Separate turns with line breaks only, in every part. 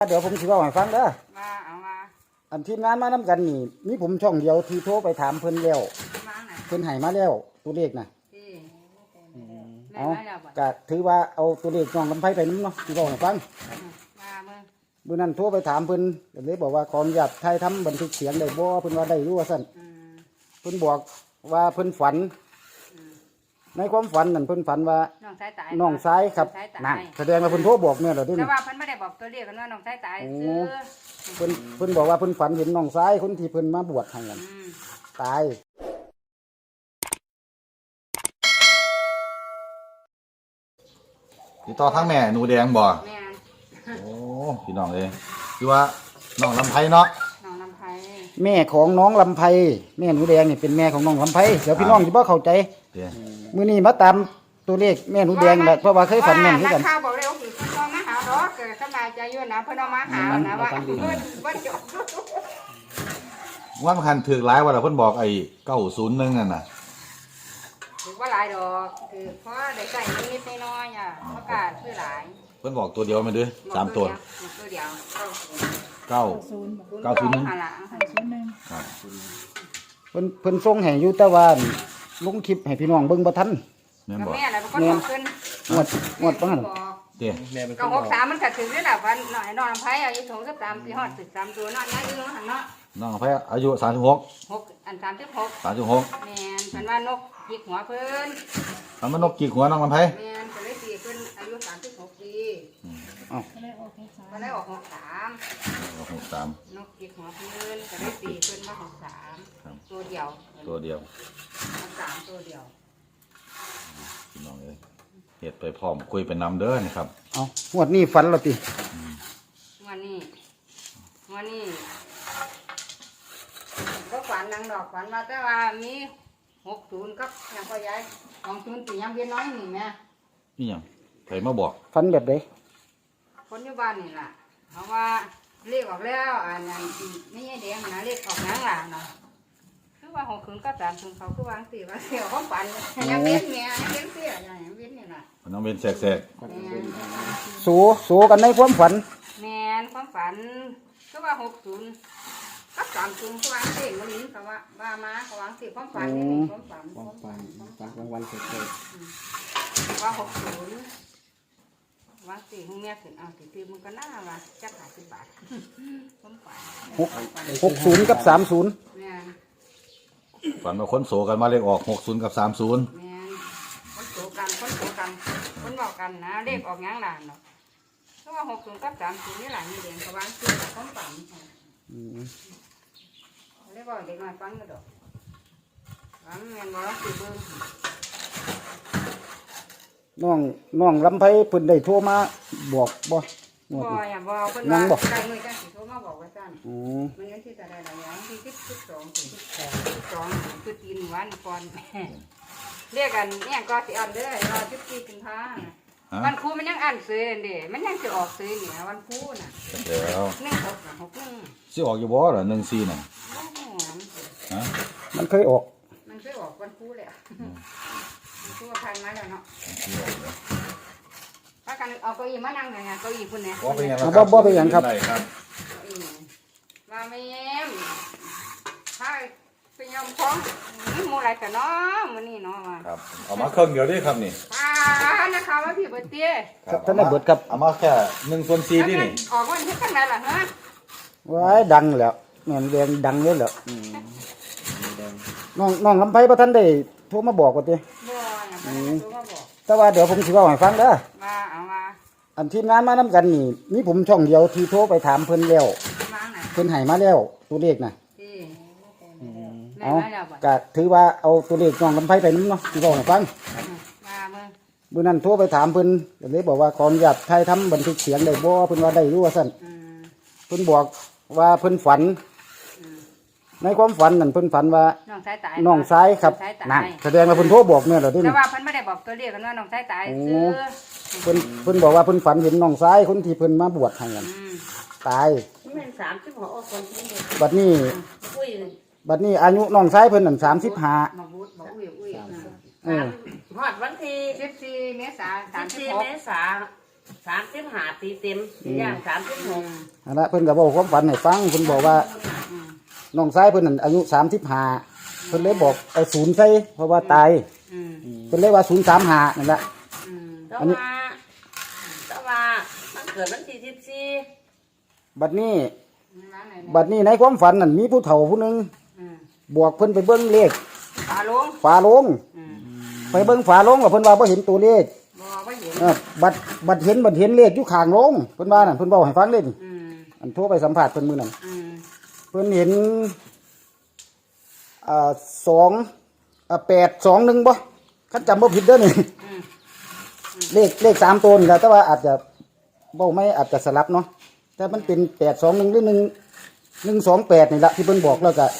เดี๋ยวผมสิเว้าให้ฟังเด้อ
มาเอามา
อันทีมงานมานำกันนี่มีผมช่องเดียวที่โทรไปถามเพิ่นแล้วเพิ่นให้มาแล้วตัวเลขน่ะเอาก็ถือว่าเอาตัวเลขน้องลำไผไปนำเนาะสิเว้าให้ฟัง
มา
มื้อนั้นโทรไปถามเพิ่นก็เลยบอกว่าขออนุญาตถ่ายทำบันทึกเสียงได้บ่เพิ่นว่าได้อยู่ว่าซั่นเพิ่นบอกว่าเพิ่นฝันในความฝันนั่นเพิ่นฝันว่าน้องสายครับนั่นแสดงว่าเพิ่นโทรบอกแม่แล้วเด้
แต่ว่าเพิ่นไม่ได้บอกตัวเลขกันว่าน้องสายตายซื้อ
เพิ่นบอกว่าเพิ่นฝันเห็นน้องสายคนที่เพิ่นมาบวชให้กันตาย
ติดต่อทั้งแม่หนูแดงบ่
แม่
โอ้พี่น้องเอ้ยคือว่าน้องลำไพเนาะ
น้องลำไพ
แม่ของน้องลำไพแม่หนูแดงนี่เป็นแม่ของน้องลำไพเดี๋ยวพี่น้องสิบ่เข้าใจมื้อนี้มาตามตัวเลขแม่หนูแดงแหละเพราะว่าเคยฝันแม่นคือกัน
ข้าวบอกเลยว่าคือเพิ่นเอามาหาดอกเกิดสบายใจอยู่นะเพิ่นเอามาหานะว่าว่าจบ
ว่ามันคันถือหลายว่าเพิ่นบอกไอ้901นั่นน่ะ
ถือว่าหลายดอกคือเพราะได้ใส่นิดน้อยอ่ะประกาศคือหลาย
เพิ่นบอกตัวเดียวมันเด้อ3ตัว
ตัวเดียว
901
ครับเพิ่นส่งให้อยู่แต่ว่าลงคลิปให้พี่น้องเบิ่งบ่ทัน
แม่นบ่
แม่น่ะเป็นคนบอกขึ้น
งวดบ่หั่น
เด้
ก็63มันก็ถึงนี่แหละวันน้อยน้องลำไผอายุ23ปีฮอด13ตัวน้อยอายุหั่นเนาะ
น้องลำไพอายุ36
6อัน36
36
แม่นเพิ่นว่านกจิกหัวเพิ่น
มันนกกี่หัวน้องลำไพ
แม่นก็เลยตีเพิ่นอายุ36ปี
อ้าว
ก็ได้ออก63นกจิกหัวเพิ่นก็เลยตีเพิ่นว่า63ตัวเดียว
3ตัวเดียวพี่น้องเอ้ยเฮ็ดไปพร้อมคุยไปนำเด้อนี่ครับ
เอ้างวดนี้ฝันแล้วติ
วันนี้ก็ฝันนางดอกฝันว่าแต่ว่ามี60กับยังพ่อใหญ่20ตียังเวียนน้อยนี่แม่
นี่หยังใครมาบอก
ฝันแบบใด
คนอยู่บ้านนี่ล่ะเพราะว่าเลขออกแล้วอันนั้นไม่ใช่แดงนะเลขออกหยังล่ะเนาะคือว่า60กับ30เขาคือวางสิว่าเสี่ยวของฝันยังเวียนแม่ยังเวียนเสียยังเวียนนี่ล่ะ
น้องเว้นแสก
ๆสู้กันในความฝัน
แม่นความฝันคือว่า60กับ30คือวางสิมันนี้เขาว่ามาเขาวางสิความฝันนี่ความฝัน
กลางวันเสร็จ
ว่า60วางสิของแม่ขึ้นเอาสิคือมันก็น่าว่าจัก50 บาทความฝัน
60กับ30
แม่น
ฝันว่าคนโสกันมาเลขออก60กับ30
แม่นคนโสกันคนบอกกันนะเลขออกหยังล่ะเนาะเพราะว่า60กับ30นี่ล่ะนี่เด้งเขาวางสิความฝันเรียกว่าเด็กน้อยฟังก็ดอกฟังแม่นบ่สิเบิ่ง
น้องลำไผเพิ่นได้โทรมาบอกบ่
อย่าบอกเพิ่นว่าใกล้มื้อจังสิโทรมาบอกว่าซั่นมันยังสิจะได้หลายอย่างที่12คือตีนวันก่อนเรียกกันเนี่ยก็สิอ่านเด้อรอ14กุมภาพันธ์วันครูมันยังอ่านซื้อเด้มันยังสิออกซื้อนี่วันครูน่ะ
แล้ว
1661
สิออกอยู่บ่ล่ะ14น่ะ
ฮะมันเคยออก
วันครูเลยครูผ่านมาแล้วเนาะถ้ากันเอาเก้าอี้มานั่งไงเก้าอี้พุ่นเนี่ย
บ่เป็นหยังครับ
มาแม่ถ้าเป็นยำของนี่มูอะไรกันเนาะมื้อนี้เนาะว่า
ครับเอามาเครื่องเดียวดิครับนี่
นะคะว่าพี่เบิดเตี้ย
ท่านได้เบิดครับ
เอามาแค่1/4นี่
ออกวันที่จังได๋ล่ะฮะ
ว้ายดังแล้วแม่นแดงดังเลยเหรอน้องลำไผบ่ทันได้โทรมาบอกว่าติ
บ่ยังบ่ได้โทรมาบอก
แต่ว่าเดี๋ยวผมสิเว้าให้ฟังเด้อ
มาเอามา
อันทีมงานมานำกันนี่มีผมช่องเดียวที่โทรไปถามเพิ่นแล้วเพิ่นให้มาแล้วตัวเลขน่ะเอาก็ถือว่าเอาตัวเลขน้องลำไผไปนำเนาะสิเว้าให้ฟังมื้อนั้นโทรไปถามเพิ่นก็เลยบอกว่าขออนุญาตถ่ายทำบันทึกเสียงได้บ่เพิ่นว่าได้อยู่ว่าซั่นเพิ่นบอกว่าเพิ่นฝันในความฝันนั่นเพิ่นฝันว่าน้องสายครับนั่นแสดงว่าเพิ่นโทรบอกแม่แล้วเด้
แต่ว่าเพิ่นไม่ได้บอกตัวเลขกันว่าน้องสายตายซื้อ
เพิ่นบอกว่าเพิ่นฝันเห็นน้องสายคนที่เพิ่นมาบวชให้กันตาย
แม่น36คน
บัดนี้อายุน้องสายเพิ่นนั่น35
ฮอดวันที่14 เมษายน
35 ปีเต็มย่าง36
นั่นละเพิ่นก็บอกความฝันให้ฟังเพิ่นบอกว่าน้องชายเพิ่นนั่นอายุ35เพิ่นเลยบอกเอาศูนย์ใส่เพราะว่าตาย
อืม
เพิ่นเลยว่า035นั่นละ
อืม
แต่ว่ามันเกิดวันที่14
บัดนี้
ร้านไหน
บัดนี้ในความฝันนั่นมีผู้เฒ่าผู้หนึง
อืม
บอกเพิ่นไปเบิ่งเลข
ฝาลง
ฝาโลง
อืม
ไปเบิ่งฝาโลงแล้วเพิ่นว่าบ่เห็นตัวเลข
บ่เห็น
บัดเห็นเลขอยู่ข้างโลงเพิ่นว่านั่นเพิ่นเว้าให้ฟังเด้นี่
อืม
อันโทรไปสัมภาษณ์เพิ่นมื้อนั้น
อืม
เพิ่นเห็น821บ่คันจำบ่ผิดเด้อนี่
อืม
เลข3ตัวนี่แหละแต่ว่าอาจจะเว้าไม่อาจจะสลับเนาะแต่มันเป็น821หรือ128นี่ล่ะที่เพิ่นบอกแล้วก็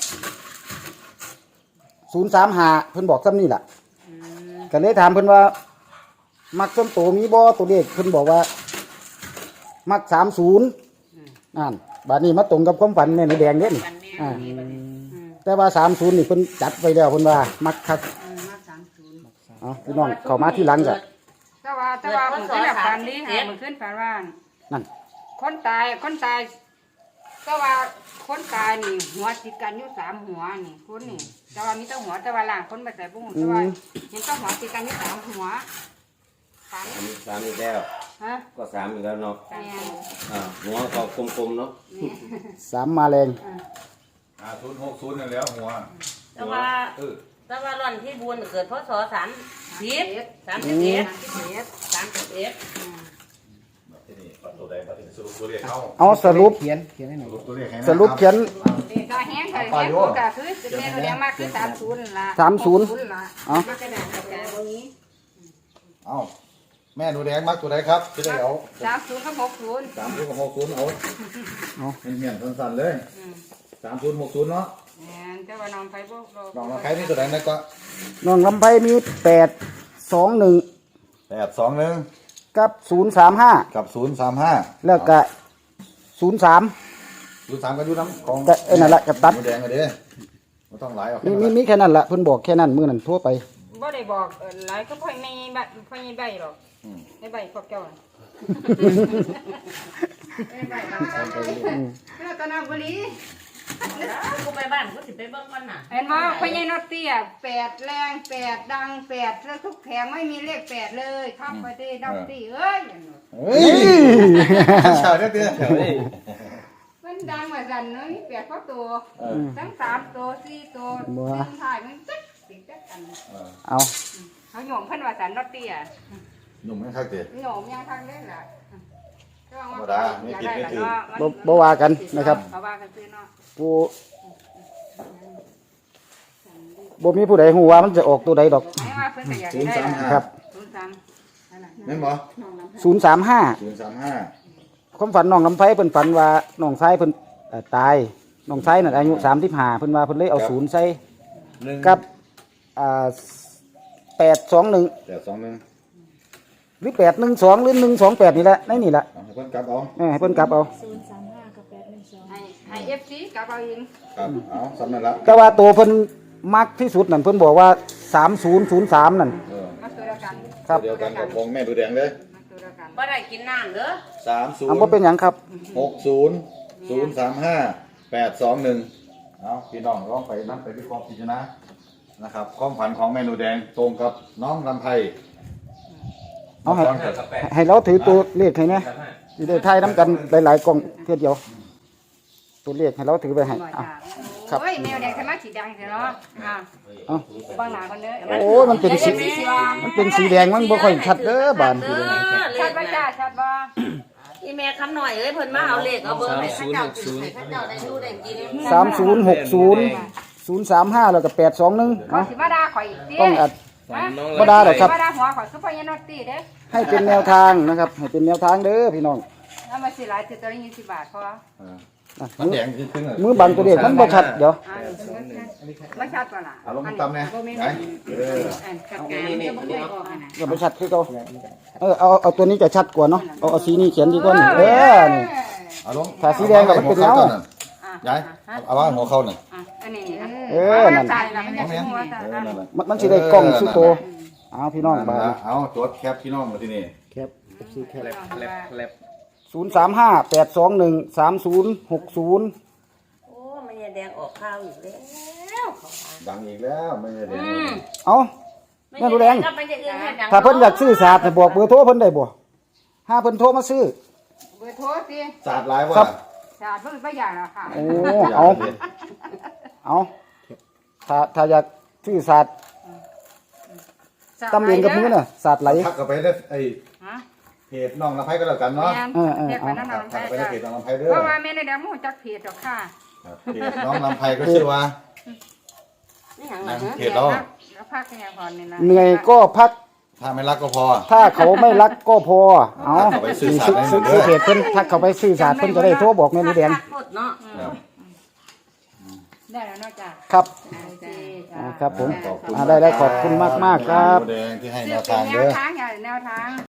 035เพิ่นบอกซ้ำนี่ล่ะ
อืม
ก็เลยถามเพิ่นว่ามักส้มโตมีบ่ตัวเลขเพิ่นบอกว่ามัก30นั่นบัดนี้มาตรงกับความฝันแม่นแดงเด้นี่อ่า
อืม
แต่ว่า30นี่เพิ่นจัดไว้แล้วเพิ่นว่ามักคัก
มา30
เอาพี่น้องเข้ามาที่หลังจ้ะ
แต่ว่าผมขึ้นแบบฝันนี้ค่ะมันขึ้นฝันว่า
นั่น
คนตายก็ว่าคนตายนี่หัวติดกันอยู่3หัวนี่คนนี่แต่ว่ามีแต่หัวแต่ว่าล่างคนไปใส่บุ้งแต่ว่าเห็นแต่หัวติดกันอยู่3หัวฝัน
สามอีกแล้ว
ฮะ
ก็สามอีกแล้วเนาะ
แม่น
หัวก็กลมๆเนาะ
นี่
3มาแรง
060นั่นแล้วหัว
แต่ว่า
เออ
แต่ว่าร่อนที่บุญเกิดพศ30 31
เฮ็ด
31
ที่นี่ตัวใดมาถึงสรุปตัวเลขเอา
เอาสรุป
สรุปตัวเลขให้นะ
สรุปเขียน
เด็กก็แห้งก็แห้งก็คือเมนูเลี้ยงมากคือ30ล่ะ
30
ล่ะ
เอา
มาจะได้กับแกตรงนี้
เอาแม่หนูแดงมักตัวใดครับจะได้เอา
30กับ60
30กับ60เอาเหี่ยนๆสั้นๆเลย3060เนาะ
แม่นแต่ว่าน้องไปบ่
ลองมาใครนี่ตัวใดนะก็
น้องลำไพมี821
821
กับ035
กับ035
แล้วก็03
03ก็อยู่น้ำของ
ก็นั่นล่ะกับตัด
หนูแดงก็เด้บ่ต้องหลายเอา
มีแค่นั้นล่ะเพิ่นบอกแค่นั้นมื้อนั้นทั่วไป
บ่ได้บอกหลายก็พ่อไม่พ่อใบหรอกในใบพวกเจ้าในใบเราตอนนั้นบุรี
กูไปบ้านกูสิไปเบิ่งก่อนน่ะ
เห็นว่าพ่อใหญ่นอตเตี้ย8แรง8ดัง8แล้วทุกแผงไม่มีเลข8เลยครับไปที่ดอกตี้เอ้ย
เฮ้ยชาวเด้อ
มันดังว่าสั่นเนาะมี8เข้าตัวทั้ง3ตัว4ตัวซึ่งถ่ายมันจักติดจักอัน
เอา
เขาโยมเพิ่นว่าสั่นนอตเตี้ย
หนุ่มมันคักเด้
โยมยังทักเล่นล่ะ
บ่ว่ากันนะครับ
เขาว่ากันซื้อเนาะ
ผู้บ่มีผู้ใดฮู้ว่ามันจะออกตัวใดดอก
ไม่ว่าเพิ่นก็อยากได้ล่ะ
ครับ
03นั่นน่ะ
แม่นบ่
035
035
ความฝันน้องลำไพเพิ่นฝันว่าน้องชายเพิ่นตายน้องชายนั่นอายุ35เพิ่นว่าเพิ่นเลยเอาศูนย์ใส่กับ821
821
หรือ812หรือ128นี่แหละในนี่แหละ
เอาให้เพิ่นกลับเอา
ให้เพิ่นกลับเอา
ให้ FC กับเอาเอง
ครับเอาสำนั่นละ
แต่ว่าตัวเพิ่นมักที่สุดนั่นเพิ่นบอกว่า3003นั่น
เออ
มาตัวเดียวกัน
ครับ
เดียวกันกับของแม่ดูแดงเลย
มาตัวเดียวกัน
บ่ได้กินน้ำเด้อ
เอาบ่เป็นหยังครับ
30600821เอาพี่น้องลองไปนั่นไปวิเคราะห์พิจารณานะครับความฝันของเมนูแดงตรงกับน้องลำไพ
เอาให้เราถือตัวเลขให้นะสิได้ทายนํกันหลายๆกล่องเพื่อเดียว ตัวเลขให้เราถือไปให้
บ่
เอา
จ้า
ครับ
โอ้ยแมวแดงทำไมสีแดงเสียเนาะ
เอา
บางหน้าคนเด้อ
โอ้ยมันเป็นสีแดงมันบ่ค่อยชัดเด้อบาน
เด้อ
ชัดบ่จ้าชัดบ่
อีแม่คำหน่อยเอ้ยเพิ่นมาเอาเลขเอาเบอร์ให้ข้าเจ้ากินให้ข้าเจ้าได้ดูได้กิน
3060 035แล้วก็821
เขา
เนาะ
สิมาด่าข่อยอีกติ
ต้องอัดบ่ได้หรอกครับ
มาด่าหัวข่อยซุปเปอร์ยานอตตี้เด้อ
ให้เป็นแนวทางนะครับให้เป็นแนวทางเด้อพี่น้อง
แล้วมาสิหลายสิตัวละ20 บาทพอ
มันแดงขึ้นเลย
มือบังตัวเลขมันบ่ชัดเดี๋ยว
ไม่ชัดป่ะล่ะ
เอาลงตำเนี่ยไหนเออ
ชัดกลางจะบ่ได้ออกอ่ะนะ
อย่าไปชัดคือเก่าเอาตัวนี้จะชัดกว่าเนาะเอาสีนี้เขียนดีกว่านี่นี่
เอาลง
ถ้าสีแดงก็มันเป็นเงา
ย้ายเอาว่าหัวเข้าหน่อย
อันนี้
นั่น
ใช่แล้วมันจะหัวตา
นั่นแหละ
มันสิได้กล้องสุดโตเอาพี่น้องบาด
เอาจดแคปพี่น้องมาที่นี่
ครับซื้อแค่
แลบแลบแลบ
035-821-3060
โอ้มันยายแดงออกข้าวอีกแล้วเขาว่า
ดังอีกแล้วไม่ได้แดง
เอ้า แม่หนูแดง
ก็ไปจะอื่นให้ดัง
ถ้าเพิ่นอยากซื้อศาสตร์น่ะบอกเบอร์โทรเพิ่นได้บ่ถ้าเพิ่นโทรมาซื้อ
เบอร์โทรสิ
สาดหลายว่า
ครับ
จาดเพิ่งไปอย่างละค่ะ
โอ้เอาถ้าอยากซื้อศาสตร์ตำเองกับมือน่ะศาสตร์ไหล
ทักกันไปได้ไอ้
ฮะ
เพจน้องลำไพก็แล้วกันเนาะ
เรียกไปนั่น
ทั
น้อง
ก
แพ้
ไปในเพจน้องลำไพเด้อ
เพราะว่าแม่ในแดงมูจักเพจหรอกค่ะ
ครับเพจน้องลำไพก็ชื่อว่า
นี่หยัง
นะ
ล่ะ
เพจเรา
แล้วพักแค่พรนี่นะ
เหนื่อยก็พัก
ถ้าไม่รักก็พอ
ถ้าเขาไม่รักก็พอ เอา
เข้าไปซื้อศาสตร์ให้หมดเด้อ
ซื้อเพจเพิ่นถ้าเขาไปซื้อศาสตร์เพิ่นจะได้โทรบอกแม่หนูแดง
คักหมดเนาะ
ครับ
ได้แล้วเนอกจาก
ครับ
โอเค
ครับผม
ขอบคุณ
ได้ขอบคุณมากๆครับ
แดงที่ให้แน
เลือ
ว
กเป็
ทาน ง
แน
เด้
ว
อ
ทางอย่างแนวทาง